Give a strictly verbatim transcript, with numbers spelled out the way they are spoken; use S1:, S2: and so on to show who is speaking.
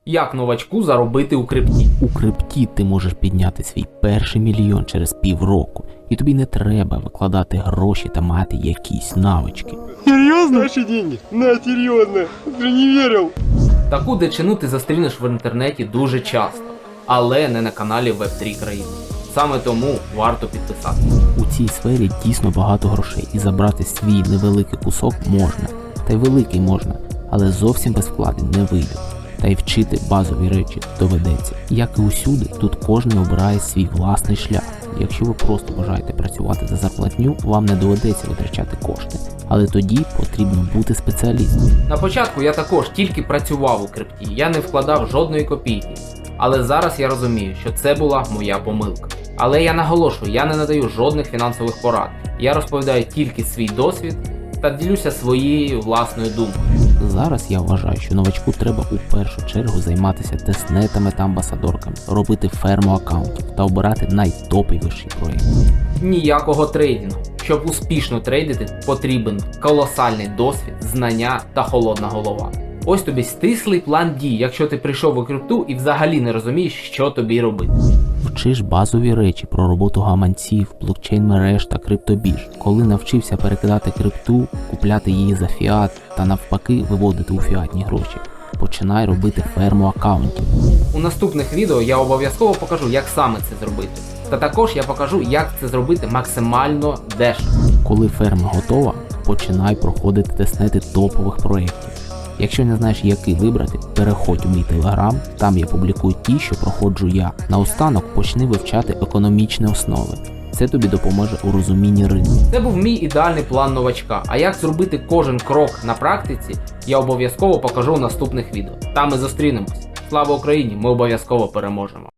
S1: Як новачку заробити у крипті?
S2: У крипті ти можеш підняти свій перший мільйон через півроку, і тобі не треба викладати гроші та мати якісь навички.
S3: Серьезно? Наши деньги? На, серьезно. Уже не верил.
S1: Таку дичину ти зустрінеш в інтернеті дуже часто, але не на каналі веб три країни. Саме тому варто підписатися.
S2: У цій сфері дійсно багато грошей, і забрати свій невеликий кусок можна, та й великий можна, але зовсім без вкладень не вийде. Та й вчити базові речі доведеться. Як і усюди, тут кожен обирає свій власний шлях. Якщо ви просто бажаєте працювати за зарплатню, вам не доведеться витрачати кошти. Але тоді потрібно бути спеціалістом.
S1: На початку я також тільки працював у крипті, я не вкладав жодної копійки. Але зараз я розумію, що це була моя помилка. Але я наголошую, я не надаю жодних фінансових порад. Я розповідаю тільки свій досвід та ділюся своєю власною думкою.
S2: Зараз я вважаю, що новачку треба у першу чергу займатися тестнетами та амбасадорками, робити ферму аккаунтів та обирати найтоповіші проєкти.
S1: Ніякого трейдингу. Щоб успішно трейдити, потрібен колосальний досвід, знання та холодна голова. Ось тобі стислий план дій, якщо ти прийшов у крипту і взагалі не розумієш, що тобі робити.
S2: Вчиш базові речі про роботу гаманців, блокчейн-мереж та криптобірж. Коли навчився перекидати крипту, купляти її за фіат та навпаки виводити у фіатні гроші, починай робити ферму аккаунтів.
S1: У наступних відео я обов'язково покажу, як саме це зробити. Та також я покажу, як це зробити максимально дешево.
S2: Коли ферма готова, починай проходити тестнети топових проєктів. Якщо не знаєш, який вибрати, переходь у мій телеграм, там я публікую ті, що проходжу я. Наостанок почни вивчати економічні основи. Це тобі допоможе у розумінні ринку.
S1: Це був мій ідеальний план новачка, а як зробити кожен крок на практиці, я обов'язково покажу у наступних відео. Там ми зустрінемось. Слава Україні! Ми обов'язково переможемо!